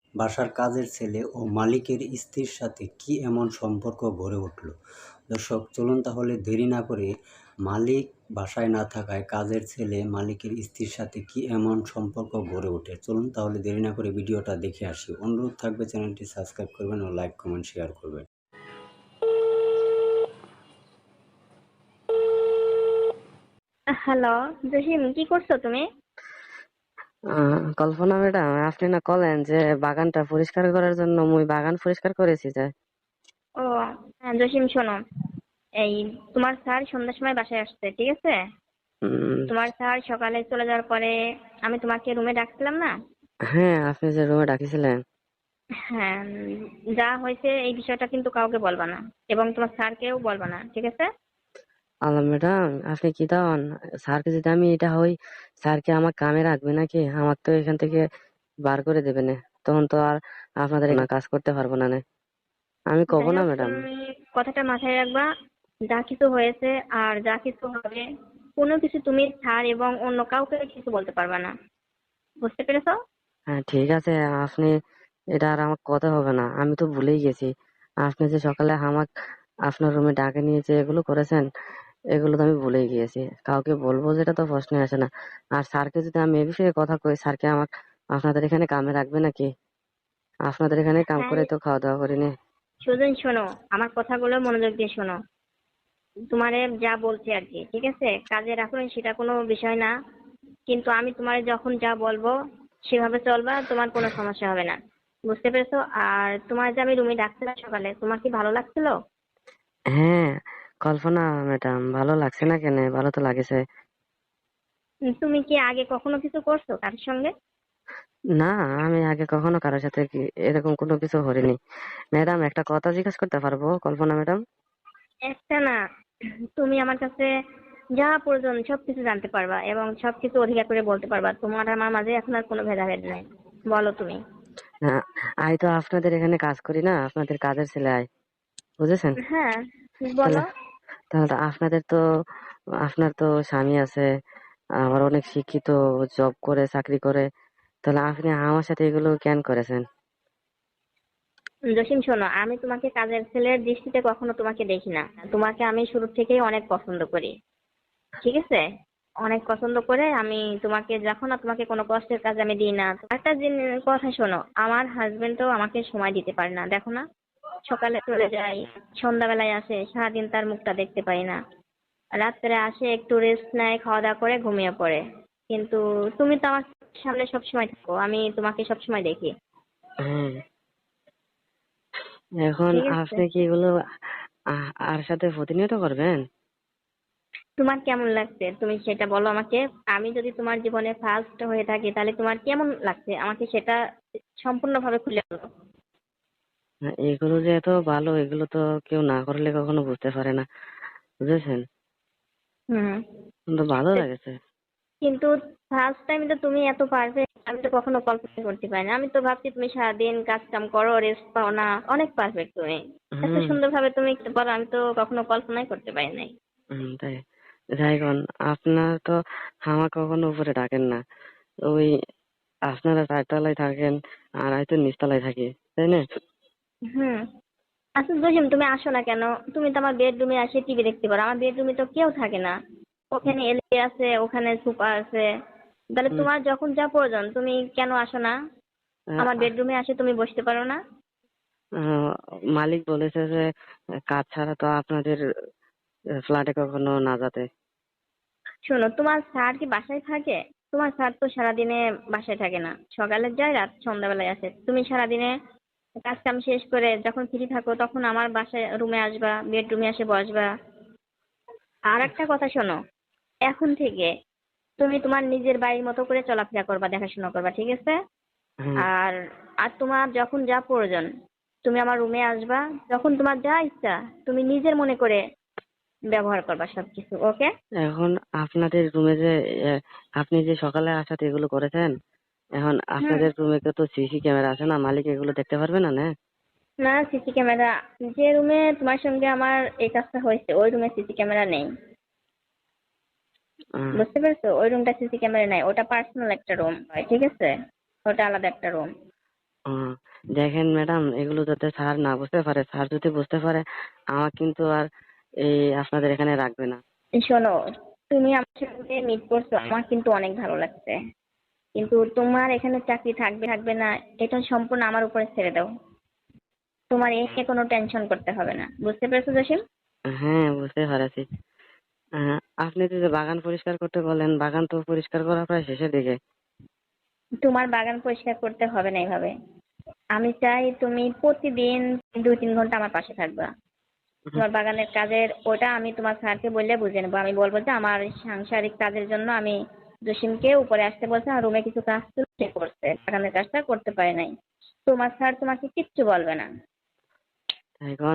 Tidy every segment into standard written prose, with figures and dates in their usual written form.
বাসার কাজের ছেলে ও মালিকের স্ত্রীর সাথে কি এমন সম্পর্ক গড়ে উঠল? দর্শক, চলুন তাহলে দেরি না করে মালিক বাসায় না থাকায় কাজের ছেলে মালিকের স্ত্রীর সাথে কি এমন সম্পর্ক গড়ে ওঠে, চলুন তাহলে দেরি না করে ভিডিওটা দেখে আসি। অনুরোধ থাকবে চ্যানেলটি সাবস্ক্রাইব করবেন ও লাইক কমেন্ট শেয়ার করবেন। হ্যালো, জসিম, কি করছো তুমি? কল্পনা ম্যাডাম, আপনি না কলেন যে বাগানটা পরিষ্কার করার জন্য মুই বাগান পরিষ্কার করেছি যে। ও হ্যাঁ জসিম, শোনো, এই তোমার স্যার সন্ধ্যার সময় বাসায় আসছে, ঠিক আছে? উম, তোমার স্যার সকালে চলে যাওয়ার পরে আমি তোমাকে রুমে ডাকছিলাম না? হ্যাঁ, আপনি যে রুমে ডাকিছিলেন। হ্যাঁ, যা হয়েছে এই বিষয়টা কিন্তু কাউকে বলবা না, এবং তোমার স্যারকেও বলবা না, ঠিক আছে? আল্লাহ ম্যাডাম, আপনি কি দাওন? স্যারকে যদি আমি এটা হই, স্যার কি আমার কামে রাখবে নাকি? আমার তো এখান থেকে বার করে দেবে না। তখন তো আর আপনাদের না কাজ করতে পারবো না। আমি কব যাই না হোক, ম্যাডাম। তুমি কথাটা মাথায় রাখবা। যা কিছু হয়েছে আর যা কিছু হবে, কোনো কিছু তুমি স্যার এবং অন্য কাউকে কিছু বলতে পারবা না, বুঝতে পেরেছো? হ্যাঁ, ঠিক আছে। আপনি এটা আর আমার কথা হবে না, আমি তো ভুলেই গেছি। আপনি যে সকালে আমার আপনার রুমে ডাকে নিয়ে যে এগুলো করেছেন, এগুলো তো আমি ভুলেই গিয়েছি। কাউকে বলবো যেটা তো প্রশ্ন আসে না। আর স্যারকে যদি আমি এ বিষয়ে কথা কই, স্যারকে আমার আপনাদের এখানে কামে রাখবে নাকি? আপনাদের এখানে কাম হ্যাঁ, করে তো খাওয়া দাওয়া করিনি। সুজন, শোনো, আমার কথাগুলো মনোযোগ দিয়ে শোনো। তোমারে যা বলছি আর কি, ঠিক আছে? কাজে রাখুন, সেটা কোনো বিষয় না, কিন্তু আমি তোমারে যখন যা বলবো সেভাবে চলবা, তোমার কোনো সমস্যা হবে না, বুঝতে পেরেছো? আর তোমার যে আমি রুমে ডাকছিলাম সকালে, তোমার কি ভালো লাগছিল? হ্যাঁ, কল্পনা ম্যাডাম, ভালো লাগছে না কেন? ভালো তো লাগেছে। তুমি কি আগে কখনো কিছু করছো তার সঙ্গে? না, আমি আগে কখনো কারোর সাথে এরকম কোনো কিছু করিনি। ম্যাডাম, একটা কথা জিজ্ঞেস করতে পারবো কল্পনা ম্যাডাম? একটা না, তুমি আমার কাছে যা প্রয়োজন সবকিছু জানতে পারবা এবং সবকিছু অধিকার করে বলতে পারবা। তোমার আর আমার মাঝে এখন আর কোনো ভেদাভেদ নাই, বলো তুমি। হ্যাঁ, আই তো আপনাদের এখানে কাজ করি না, আপনাদের কাজের ছেলে আই, বুঝেছেন? হ্যাঁ, তাহলে বলো। তাহলে তো আপনার তো স্বামী আছে, আবার অনেক শিক্ষিত, জব করে, চাকরি করে। তাহলে আপনি আমার সাথে এগুলো কেন করেছেন? জসিম, শোনো, আমি তোমাকে কাজের ছেলের দৃষ্টিতে কখনো তোমাকে দেখি না। তোমাকে আমি শুরু থেকেই অনেক পছন্দ করি, ঠিক আছে? অনেক পছন্দ করে আমি তোমাকে, যখন না তোমাকে কোনো কষ্টের কাজ আমি দিই না। একটা কথা শোনো, আমার হাজবেন্ডও আমাকে সময় দিতে পারে না, দেখো না, সকালে চলে যায়, সন্ধ্যাবেলায় আসে, সারাদিন তার মুখটা দেখতে পাই না। রাত্রে আসে, একটু রেস্ট নেয়, খাওয়া দাওয়া করে ঘুমিয়ে পড়ে। কিন্তু তুমি তো আমার সামনে সবসময় থাকো, আমি তোমাকে সবসময় দেখি, হ্যাঁ, এখন ঠিক আছে? আপনি কি এগুলো আর সাথে প্রতিনিয়ত করবেন? তোমার কেমন লাগছে তুমি সেটা বলো আমাকে। আমি যদি তোমার জীবনে ফার্স্ট হয়ে থাকি, তাহলে তোমার কেমন লাগছে আমাকে সেটা সম্পূর্ণভাবে খুলে বলো। এগুলো যে এত ভালো, এগুলো তো কেউ না করলে কখনো বুঝতে পারে না, বুঝেছেন? হুম। কিন্তু ভালো লাগেছে। কিন্তু ফার্স্ট টাইম তো তুমি এত পারফেক্ট, আমি তো কখনো কল্পনা করতে পারি না। আমি তো ভাবছি তুমি সারাদিন কাজ কাম করো, রেস্ট পাও না, অনেক পারফেক্ট তুমি, এত হুম। সুন্দরভাবে তুমি বলো, আমি তো কখনো কল্পনাই করতে পারি নাই। তাই যাই কোন, আপনার তো হামা কখনো উপরে ডাকেন না। ওই আপনারা চারতলায় থাকেন, আর হয়তো নিচতলায় থাকি, তাই না? হুম। আচ্ছা জসিম, তুমি আসো না কেন? তুমি তো আমার বেডরুমে আসে টিভি দেখতে পারো, আমার বেডরুমে তো কেউ থাকে না। ওখানে এলি আছে, ওখানে সুপা আছে। তাহলে হুম, তোমার যখন যা প্রয়োজন তুমি কেন আসো না? আমার আহ, বেডরুমে আসে তুমি বসতে পারো না? আহ, মালিক বলেছে যে কাজ ছাড়া তো আপনাদের ফ্ল্যাটে কখনো না যেতে। শোনো, তোমার স্যার কি বাসায় থাকে? তোমার স্যার তো সারাদিনে বাসায় থাকে না, সকালে যায়, রাত সন্ধ্যাবেলায় আসে। তুমি সারাদিনে কাজ কাম শেষ করে যখন ফ্রি থাকো, তখন আমার বাসায় রুমে আসবা, বেডরুমে এসে বসবা। আর একটা কথা শোনো, এখন থেকে তুমি তোমার নিজের বাড়ির মতো করে চলাফেরা করবা, দেখাশোনা করবা, ঠিক আছে? হ্যাঁ, আর আর তোমার যখন যা প্রয়োজন তুমি আমার রুমে আসবা, যখন তোমার যা ইচ্ছা তুমি নিজের মনে করে ব্যবহার করবা সবকিছু, ওকে? এখন আপনাদের রুমে যে আহ, আপনি যে সকালে আসাতে এগুলো করেছেন, এখন হুম। আপনাদের রুমে তো সিসি ক্যামেরা আছে না, মালিক এগুলো দেখতে পারবে না না? না, সিসি ক্যামেরা, যে রুমে তোমার সঙ্গে আমার এই কাজটা হয়েছে ওই রুমে সিসি ক্যামেরা নেই, আহ, বুঝতে পেরেছো? ওই রুমটা সিসি ক্যামেরা নাই, ওটা পার্সোনাল একটা রুম হয়, ঠিক আছে? ওটা আলাদা একটা রুম। উম, দেখেন ম্যাডাম, এগুলো যাতে স্যার না বুঝতে পারে, স্যার যদি বুঝতে পারে আমার কিন্তু আর এই আপনাদের এখানে রাখবে না। শোনো, তুমি আমার সঙ্গে মিট করছো, আমার কিন্তু অনেক ভালো লাগছে, কিন্তু তোমার এখানে চাকরি থাকবে থাকবে না এটা সম্পূর্ণ আমার উপরে ছেড়ে দাও। তোমার এই নিয়ে কোনো টেনশন করতে হবে না, বুঝতে পেরেছো জসিম? হ্যাঁ, বুঝতে পারছি। আহ, আপনি তো যে বাগান পরিষ্কার করতে বলেন, বাগান তো পরিষ্কার করা প্রায় শেষের দিকে। তোমার বাগান পরিষ্কার করতে হবে না এইভাবে। আমি চাই তুমি প্রতিদিন 2-3 ঘন্টা আমার পাশে থাকবা। হুম, তোমার বাগানের কাজের ওটা আমি তোমার স্যারকে বললে বুঝে নেবো। আমি বলবো যে আমার সাংসারিক কাজের জন্য আমি জসিমকে উপরে আসতে বলছে, আর রুমে কিছু কাজ ছিল সে করছে, বাগানের কাজটা করতে পারে নাই। তোমার স্যার তোমাকে কিচ্ছু বলবে না। এখন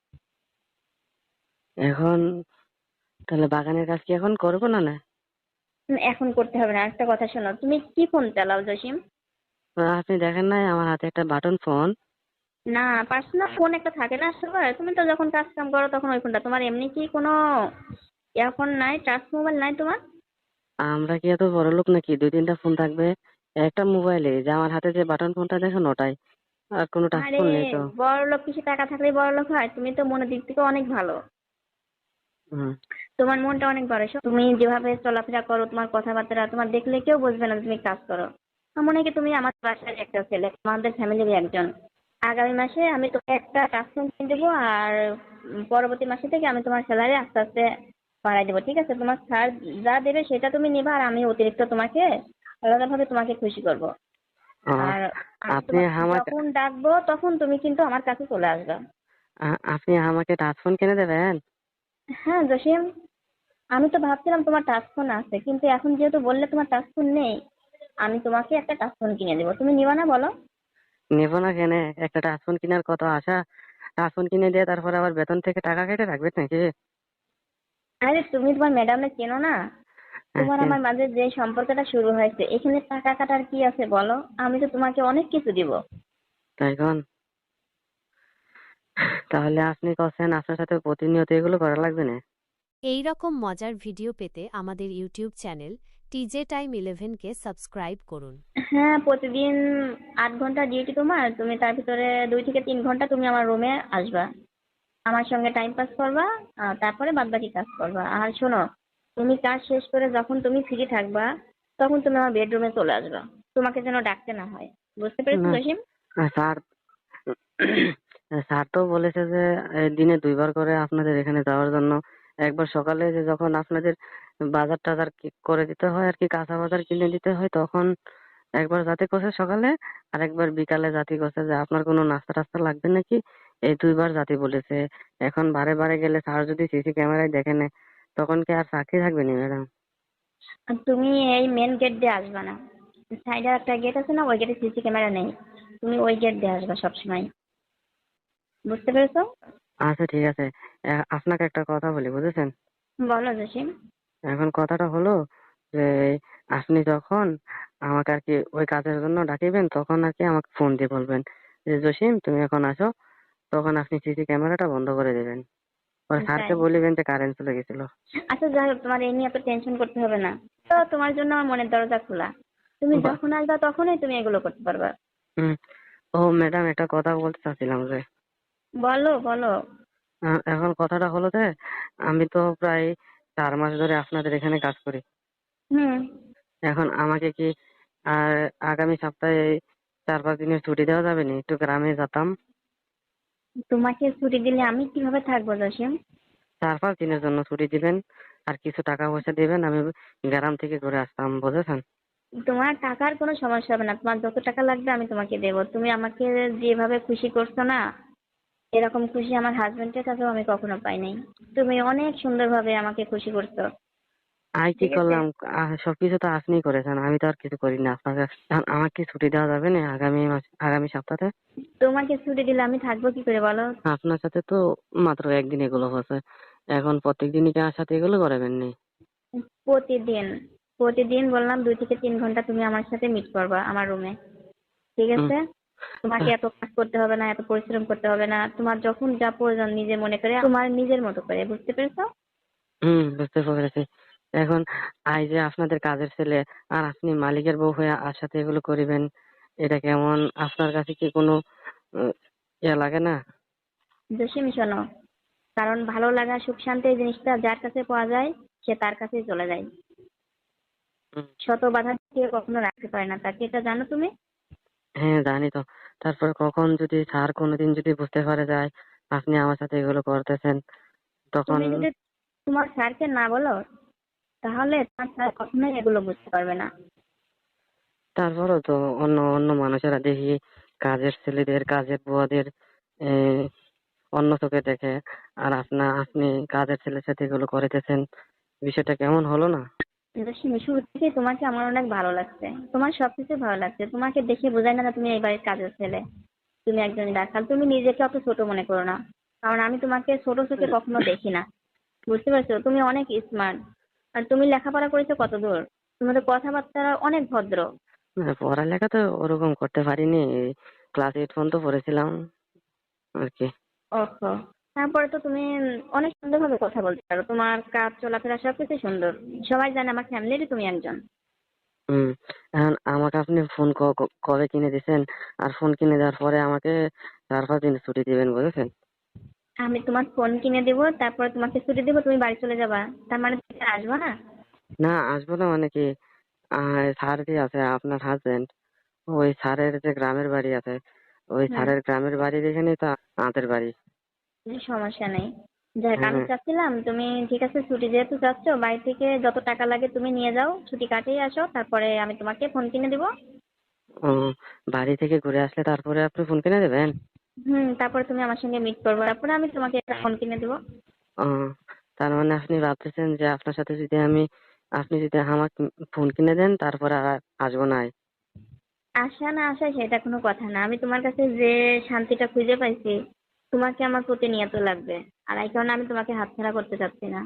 এখন তাহলে বাগানের কাজ কি এখন করবো না না? এখন করতে হবে না। একটা কথা শোনো, তুমি কি ফোন চালাও জসিম? আপনি দেখেন নাই আমার হাতে একটা বাটন ফোন? না, পার্সোনাল ফোন একটা থাকে না সবার, তুমি তো যখন কাজ কাম করো তখন ওই ফোনটা তোমার, এমনি কি কোনো ইয়ারফোন নাই, টাচ মোবাইল নাই তোমার? আমরা কি এত বড় লোক নাকি 2-3টা ফোন থাকবে একটা মোবাইলে? যে আমার হাতে যে বাটন ফোনটা দেখেন ওটাই, আর কোনো টাচ আরে, ফোন নেই তো। বড় লোক কিছু টাকা থাকলেই বড় লোক হয়? তুমি তো মনের দিক থেকে অনেক ভালো। হুম। তোমার মনটা অনেক বড়। তুমি যেভাবে চলাফেরা করো, তোমার কথাবার্তা, তোমার দেখলে কেউ বুঝবে না যে তুমি কাজ করো। আমার মনে হয় কি তুমি আমার বাসার একটা ছেলে, আমাদের ফ্যামিলির একজন। আগামী মাসে আমি তোকে একটা কাজ কিনে দেবো, আর পরবর্তী মাসে থেকে আমি তোমার স্যালারি আস্তে আস্তে বাড়াই দেবো, ঠিক আছে? তোমার স্যার যা দেবে সেটা তুমি নিবা, আর আমি অতিরিক্ত তোমাকে আলাদাভাবে তোমাকে খুশি করব। আহ, আর আমি আপনি তোমাকে আমাকে যখন ডাকবো তখন তুমি কিন্তু আমার কাছে চলে আসবে। আপনি আমাকে টাচ ফোন কিনে দেবেন? হ্যাঁ জসিম, আমি তো ভাবছিলাম তোমার টাচ ফোন আছে, কিন্তু এখন যেহেতু বললে তোমার টাচ ফোন নেই, আমি তোমাকে একটা টাচ ফোন কিনে দেবো। তুমি নিবা না বলো? নেবো না কেন? একটা টাচ ফোন কেনার কত আশা! টাচ ফোন কিনে দিয়ে তারপরে আবার বেতন থেকে টাকা কেটে রাখবে নাকি? আরে তুমি তোমার ম্যাডামে চেনো না? তোমার কেন? আমার মাঝে যে সম্পর্কটা শুরু হয়েছে, এখানে টাকা কাটার কি আছে বলো? আমি তো তোমাকে অনেক কিছু দিব। তাই কোন? তাহলে আপনি কছেন আপনার সাথে প্রতিনিয়ত এগুলো করা লাগবে না? এই রকম মজার ভিডিও পেতে আমাদের ইউটিউব চ্যানেল টিজে টাইম 11কে সাবস্ক্রাইব করুন। হ্যাঁ, প্রতিদিন 8 ঘন্টা ডিউটি তোমার, তুমি তার ভিতরে 2 থেকে 3 ঘন্টা তুমি আমার রুমে আসবা, আমার সঙ্গে টাইম পাস করবা, তারপরে বাদবাকি কাজ করবা। আর শোনো, তুমি কাজ শেষ করে যখন তুমি ফ্রি থাকবা তখন তুমি আমার বেডরুমে চলে আসবা, তোমাকে যেন ডাকতে না হয়। বুঝতে পেরেছো না, জসিম? স্যার স্যার তো বলেছে যে দিনে 2বার করে আপনাদের এখানে যাওয়ার জন্য। একবার সকালে যে যখন আপনাদের বাজার টাজার করে দিতে হয় আর কি, কাঁচা বাজার কিনে দিতে হয় তখন একবার জাতি করছে সকালে, আর একবার বিকালে জাতি করছে যে আপনার কোনো নাস্তা টাস্তা লাগবে নাকি। এই 2বার জাতি বলেছে। এখন বারে বারে গেলে স্যার যদি সিসি ক্যামেরায় দেখে নেয় তখন কি আর চাকরি থাকবে না ম্যাডাম? আর তুমি এই মেন গেট দিয়ে আসবা না, সাইডে একটা গেট আছে না, ওই গেটে সিসি ক্যামেরা নেই, তুমি ওই গেট দিয়ে আসবা সবসময়। বুঝতে পেরেছো? আচ্ছা ঠিক আছে। আপনাকে একটা কথা বলি, বুঝেছেন? বলো জসিম। এখন কথাটা হলো যে আপনি যখন আমাকে আর কি ওই কাজের জন্য ডাকিবেন তখন আর কি আমাকে ফোন দিয়ে বলবেন যে জসিম তুমি এখন আসো। তখন আপনি সিসি ক্যামেরাটা বন্ধ করে দেবেন। পরে স্যারকে তাই? বলিবেন যে কারেন্ট চলে গেছিল। আচ্ছা যাই হোক, তোমার এই নিয়ে এত টেনশন করতে হবে না। তো তোমার জন্য আমার মনের দরজা খোলা, তুমি বা- যখন আসবা তখনই তুমি এগুলো করতে পারবা। হুম। ও ম্যাডাম, একটা কথা বলতে চাচ্ছিলাম যে বলো বলো। এখন কথাটা হলো যে আমি তো প্রায় 4 মাস ধরে আপনাদের এখানে কাজ করি। হুম। এখন আমাকে কি আর আগামী সপ্তাহে 4-5 দিনের ছুটি দেওয়া যাবে না? একটু গ্রামে যেতাম। তোমাকে ছুটি দিলে আমি কিভাবে থাকবো জসিম? 4-5 দিনের জন্য ছুটি দিবেন, আর কিছু টাকা পয়সা দিবেন, আমি গ্রাম থেকে ঘুরে আসতাম, বুঝেছেন? তোমার টাকার কোনো সমস্যা হবে না, তোমার যত টাকা লাগবে আমি তোমাকে দেবো। তুমি আমাকে যেভাবে খুশি করছো না, এরকম খুশি আমার হাজবেন্ডের কাছেও আমি কখনো পাই নাই। তুমি অনেক সুন্দরভাবে আমাকে খুশি করছো। কি ঠিক আছে, করলাম? সবকিছু তো আপনিই করেছেন, আমি তো আর কিছু করি না আপনাকে। এখন আমাকে কি ছুটি দেওয়া যাবে না আগামী সপ্তাহে? তোমাকে ছুটি দিলে আমি থাকবো কি করে বলো? আপনার সাথে তো মাত্র একদিন এগুলো হচ্ছে, এখন প্রত্যেক দিনই কি আমার সাথে এগুলো করাবেন নি? প্রতিদিন, প্রতিদিন বললাম 2 থেকে 3 ঘন্টা তুমি আমার সাথে মিট করবা আমার রুমে, ঠিক হুম। আছে? তোমাকে এত কাজ করতে হবে না, এত পরিশ্রম করতে হবে না, তোমার যখন যা প্রয়োজন নিজে মনে করে তোমার নিজের মতো করে। বুঝতে পেরেছো? বুঝতে পেরেছি। এখন যে আপনাদের কাজের ছেলে আর আপনি মালিকের বউ হয়ে আর সাথে এগুলো করিবেন, এটা কেমন আপনার কাছে কি কোনো ইয়ে লাগে না? জসিম শোনো, কারণ ভালো লাগা সুখ শান্তি এই জিনিসটা যার কাছে পাওয়া যায় সে তার কাছেই চলে যায়। হুম, শত বাধা দিয়ে কখনো রাখতে পারে না তাকে, এটা জানো তুমি? হ্যাঁ জানি তো। তারপরে কখন যদি স্যার কোনোদিন যদি বুঝতে পারে যায় আপনি আমার সাথে এগুলো করতেছেন, তখন তুমি যদি তোমার স্যারকে না বলো তাহলে তোমার স্যার কখনোই এগুলো বুঝতে পারবে না। তারপরেও তো অন্য অন্য মানুষেরা দেখি কাজের ছেলেদের কাজের বুয়াদের অন্য চোখে দেখে, আর আপনি কাজের ছেলের সাথে এগুলো করিতেছেন, বিষয়টা কেমন হলো না? কিন্তু শুরু থেকে তোমাকে আমার অনেক ভালো লাগছে, তোমার সবকিছু ভালো লাগছে, তোমাকে দেখে বোঝায় না যে তুমি এই বাড়ির কাজের ছেলে, তুমি একজন রাখাল। তুমি নিজেকে অত ছোট মনে করো না, কারণ আমি তোমাকে ছোট চোখে কখনো দেখি না। বুঝতে পারছো? তুমি অনেক স্মার্ট। আর তুমি লেখাপড়া করেছো কত দূর? তোমাদের কথাবার্তা অনেক ভদ্র। না, পড়ালেখা তো ওরকম করতে পারিনি, ক্লাস 8 পর্যন্ত পড়েছিলাম আর কি। ওহো, তারপরে তো তুমি অনেক সুন্দরভাবে কথা বলতে পারো, তোমার কাজ চলাফেরা সবকিছু সুন্দর। সবাই জানে আমার ফ্যামিলিরই তুমি একজন। হুম। এখন আমাকে আপনি ফোন কবে কিনে দিছেন, আর ফোন কিনে দেওয়ার পরে আমাকে 4-5 দিন ছুটি দিবেন বুঝেছেন? আমি তোমার ফোন কিনে দেবো, তারপরে তোমাকে ছুটি দেবো, তুমি বাড়ি চলে যাবা। তার মানে তুমি আর আসবা না? না, আসবো না মানে কি, স্যার যে আছে আপনার হাজবেন্ড, ওই স্যারের যে গ্রামের বাড়ি আছে, ওই হুম, স্যারের গ্রামের বাড়ির এখানেই তো আমাদের বাড়ি। কোনো সমস্যা নেই। যাক, আমি হ্যাঁ। চাচ্ছিলাম তুমি ঠিক আছে ছুটি যেহেতু চাচ্ছ, বাড়ি থেকে যত টাকা লাগে তুমি নিয়ে যাও, ছুটি কাটিয়ে আসো, তারপরে আমি তোমাকে ফোন কিনে দেবো। ও, বাড়ি থেকে ঘুরে আসলে তারপরে আপনি ফোন কিনে দেবেন? তারপরে তুমি আমার সঙ্গে মিট করবে, তারপরে আমি তোমাকে একটা ফোন কিনে দেবো। ও, তার মানে আপনি ভাবতেছেন যে আপনার সাথে যদি আপনি যদি আমাকে ফোন কিনে দেন তারপরে আর আসবো না? আশা না আসা সেটা কোনো কথা না, আমি তোমার কাছে যে শান্তিটা খুঁজে পাইছি, তোমাকে আমার প্রতিনিয়ত লাগবে। আর এই কারণে আমি তোমাকে হাতছাড়া করতে চাচ্ছি না।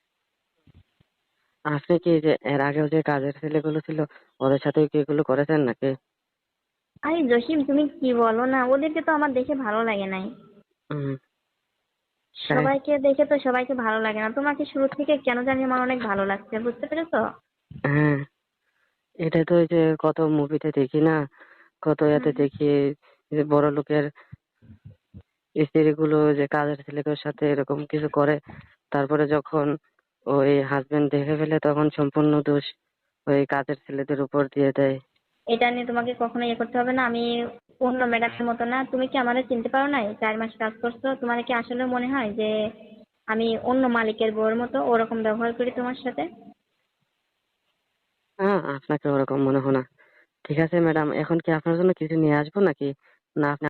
আপনি কি যে এর আগেও যে কাজের ছেলেগুলো ছিল ওদের সাথে কি এগুলো করেছেন নাকি? আরে জসিম, তুমি কি বলো না, ওদেরকে তো আমার দেখে ভালো লাগে নাই। হুম, তাই? সবাইকে দেখে তো সবাইকে ভালো লাগে না, তোমাকে শুরু থেকে কেন জানি আমার অনেক ভালো লাগছে, বুঝতে পেরেছো? হ্যাঁ, এটা তো ওই যে কত মুভিতে দেখি না, কত হুম, ইয়াতে দেখি যে বড় লোকের স্ত্রীগুলো যে কাজের ছেলেদের সাথে এরকম কিছু করে, তারপরে যখন ওই হাজবেন্ড দেখে ফেলে তখন সম্পূর্ণ দোষ ওই কাজের ছেলেদের উপর দিয়ে দেয়। এটা নিয়ে তোমাকে কখনো ইয়ে করতে হবে না। আমি অন্য ম্যাডামের মতো না, তুমি কি আমাদের চিনতে পারো না? 4 মাস কাজ করছো, তোমার কি আসলে মনে হয় যে আমি অন্য মালিকের বউয়ের মতো ওরকম ব্যবহার করি তোমার সাথে? হ্যাঁ, আপনাকে ওরকম মনে হয় না। ঠিক আছে ম্যাডাম, এখন কি আপনার জন্য কিছু নিয়ে আসবো নাকি, না আপনি